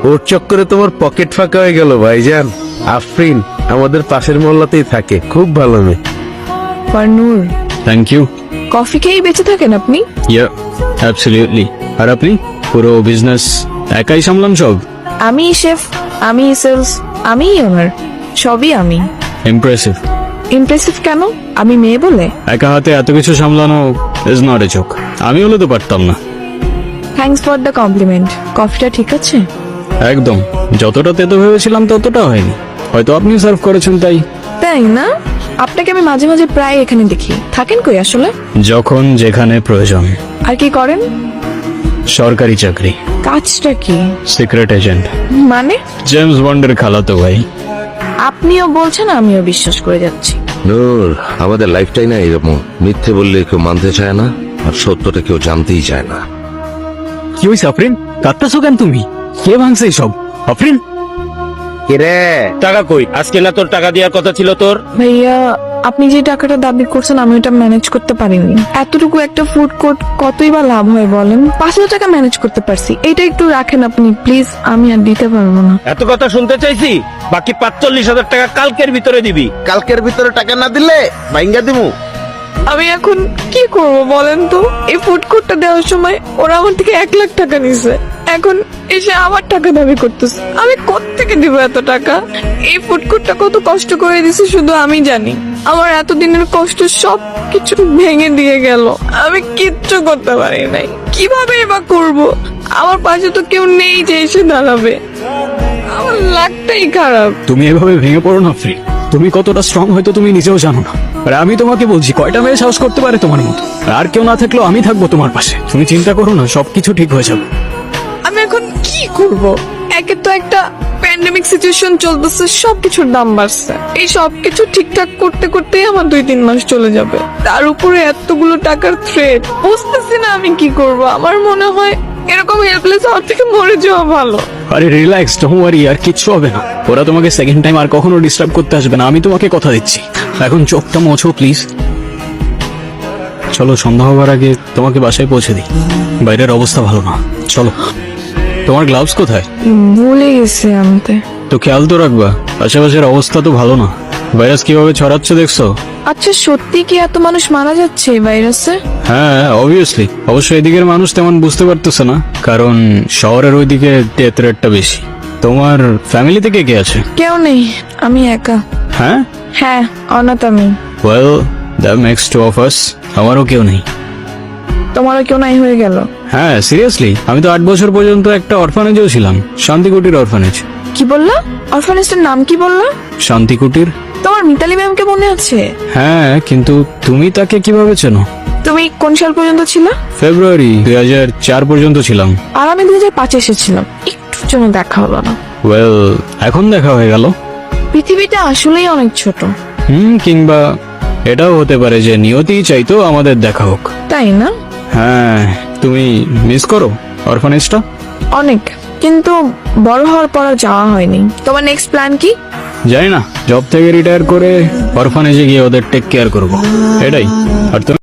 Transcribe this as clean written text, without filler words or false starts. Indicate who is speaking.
Speaker 1: ওর চক্করে তোমার পকেট ফাঁকা হয়ে গেল ভাইজান। আফরিন আমাদের পাশের মহল্লাতেই থাকে, খুব ভালো মেয়ে।
Speaker 2: নূর,
Speaker 3: থ্যাংক ইউ।
Speaker 2: কফি খেয়েই বেঁচে থাকেন আপনি?
Speaker 3: ইয়া, অ্যাবসলিউটলি। আর আপনি পুরো বিজনেস একাই সামলান সব?
Speaker 2: আমি শেফ, আমি সেলস, আমি ওনার, সবই আমি।
Speaker 3: ইমপ্রেসিভ।
Speaker 2: ইমপ্রেসিভ কেন? আমি মেয়ে বলে?
Speaker 3: একা হাতে এত কিছু সামলানো ইজ নট এ জোক। আমি হলে তো পারতাম না।
Speaker 2: Thanks for the compliment. কফিটা ঠিক আছে?
Speaker 3: একদম, যতটা তেতো ভেবেছিলাম ততটা হয়নি। হয়তো আপনি সার্ভ করেছেন তাই।
Speaker 2: তাই না? আপনাকে আমি মাঝে মাঝে প্রায় এখানে দেখি। থাকেন কই আসলে?
Speaker 3: যখন যেখানে প্রয়োজন।
Speaker 2: আর কি করেন?
Speaker 3: সরকারি চাকরি,
Speaker 2: কাজটা কি?
Speaker 3: Secret agent.
Speaker 2: মানে?
Speaker 3: জেমস বন্ডের খালাতো ভাই।
Speaker 2: আপনিও বলছেন, আমিও বিশ্বাস করে যাচ্ছি।
Speaker 1: নূর, আমাদের লাইফটাই না এরকম, মিথ্যে বললে কেউ মানতে চায় না, আর সত্যটা কেউ জানতেই চায় না।
Speaker 3: কি হয়েছে আফরিন? কাঁদতেছো কেন তুমি? কে ভাঙছে সব? আফরিন,
Speaker 1: কিরে টাকা কই? আজকে না তোর টাকা দেওয়ার কথা ছিল তোর?
Speaker 2: ভাইয়া, আপনি যে টাকাটা দাবি করছেন আমি ওটা ম্যানেজ করতে পারিনি। এতটুকু একটা ফুড কোর্ট কতই বা লাভ হয় বলেন? 5,000 টাকা ম্যানেজ করতে পারছি। এটা একটু রাখেন আপনি প্লিজ, আমি আর দিতে পারবো না।
Speaker 4: এত কথা শুনতে চাইছি? বাকি 45,000 টাকা কালকের ভিতরে দিবি।
Speaker 1: কালকের ভিতরে টাকা না দিলে ভাইঙ্গা দিমু।
Speaker 2: আমি এখন কি করব বলেন তো? এই ফুড কোর্টটা দেওয়ার সময় ওরা আমার থেকে 1 লাখ টাকা নিছে, এখন এসে আমার টাকা দাবি করতেছে। আমি কোত্থেকে দিব এত টাকা? এই ফুড কোর্টটা কত কষ্ট করে দিছে শুধু আমি জানি। আমার এতদিনের কষ্ট সব কিছু ভেঙে দিয়ে গেল। আমি কিচ্ছু করতে পারি নাই। কিভাবে বা করব? আমার পাশে তো কেউ নেই যে এসে দাঁড়াবে। আমার লাকটাই খারাপ।
Speaker 3: তুমি এভাবে ভেঙে পড়ো না আফরিন। তুমি কতটা স্ট্রং হয়তো তুমি নিজেও জানো না। আর আমি তোমাকে বলছি, কয়টা মেয়ে সাহস করতে পারে তোমার মতো? আর কেউ না থাকলেও আমি থাকবো তোমার পাশে। তুমি চিন্তা করো না, সবকিছু ঠিক হয়ে যাবে।
Speaker 2: আমি এখন কি করব? একে তো একটা প্যান্ডেমিক সিচুয়েশন চলতেছে, সবকিছুর দাম বাড়ছে। এই সবকিছু ঠিকঠাক করতে করতেই আমার 2-3 মাস চলে যাবে। তার উপরে এতগুলো টাকার থ্রেট। বুঝতেছি না আমি কি করব। আমার মনে হয় এরকম হেল্পলেস হওয়ার থেকে মরে যাওয়া ভালো।
Speaker 3: আরে রিল্যাক্স, ডোন্ট ওয়ারি, আর কিচ্ছু হবে না। ওরা তোমাকে সেকেন্ড টাইম আর কখনো ডিস্টার্ব করতে আসবে না, আমি তোমাকে কথা দিচ্ছি। এখন চোখটা মোছো প্লিজ। চলো, সন্ধ্যা হবার আগে তোমাকে বাসায় পৌঁছে দিই। বাইরের অবস্থা ভালো না। চলো। তোমার গ্লাভস কোথায়?
Speaker 2: ভুলে গেছি আনতে।
Speaker 3: তো খেয়াল তো রাখবা, আশেপাশের অবস্থা তো ভালো না। ভাইরাস কিভাবে ছড়াচ্ছে দেখছো?
Speaker 2: আচ্ছা, সত্যি কি এত মানুষ মারা যাচ্ছে এই ভাইরাসে?
Speaker 3: হ্যাঁ, অবভিয়াসলি। অবশ্য এদিকের মানুষ তেমন বুঝতে পারতেছে না, কারণ শহরের ওইদিকে ডেথ রেটটা বেশি। তোমার ফ্যামিলিতে কে কে আছে?
Speaker 2: কেউ নেই, আমি একা।
Speaker 3: হ্যাঁ,
Speaker 2: হ্যাঁ, অনাথ আমি।
Speaker 3: Well, that makes two of us. আমারও কেউ নেই।
Speaker 2: তোমারও কেউ নাই হয়ে গেল?
Speaker 3: হ্যাঁ, সিরিয়াসলি। আমি তো 8 বছর পর্যন্ত একটা অরফানেজেও ছিলাম। শান্তিকুটির অরফানেজ।
Speaker 2: কি বললা? অরফানেজটার নাম কি বললা?
Speaker 3: শান্তিকুটির।
Speaker 2: তোমার মিতালি ম্যামকে মনে আছে?
Speaker 3: হ্যাঁ, কিন্তু তুমি তাকে কিভাবে চেনো?
Speaker 2: তুমি কোন সাল পর্যন্ত ছিল?
Speaker 3: ফেব্রুয়ারি 2004 পর্যন্ত ছিলাম।
Speaker 2: আর আমি 2005 এসেছিলাম। একটুর জন্য দেখা হলো না।
Speaker 3: ওয়েল, এখন দেখা হয়ে গেল।
Speaker 2: পৃথিবীটা আসলেই অনেক ছোট।
Speaker 3: কিংবা এটাও হতে পারে যে নিয়তি চাইতো আমাদের দেখা হোক।
Speaker 2: তাই না?
Speaker 3: হ্যাঁ, তুমি মিস করো অরফানেজটা?
Speaker 2: অনেক, কিন্তু বড় হওয়ার পর আর যাওয়া হয়নি। তোমার নেক্সট প্ল্যান কি?
Speaker 3: জানি না, জব থেকে রিটায়ার করে অরফানেজে গিয়ে ওদের টেক কেয়ার করবো, এটাই। আর তুমি?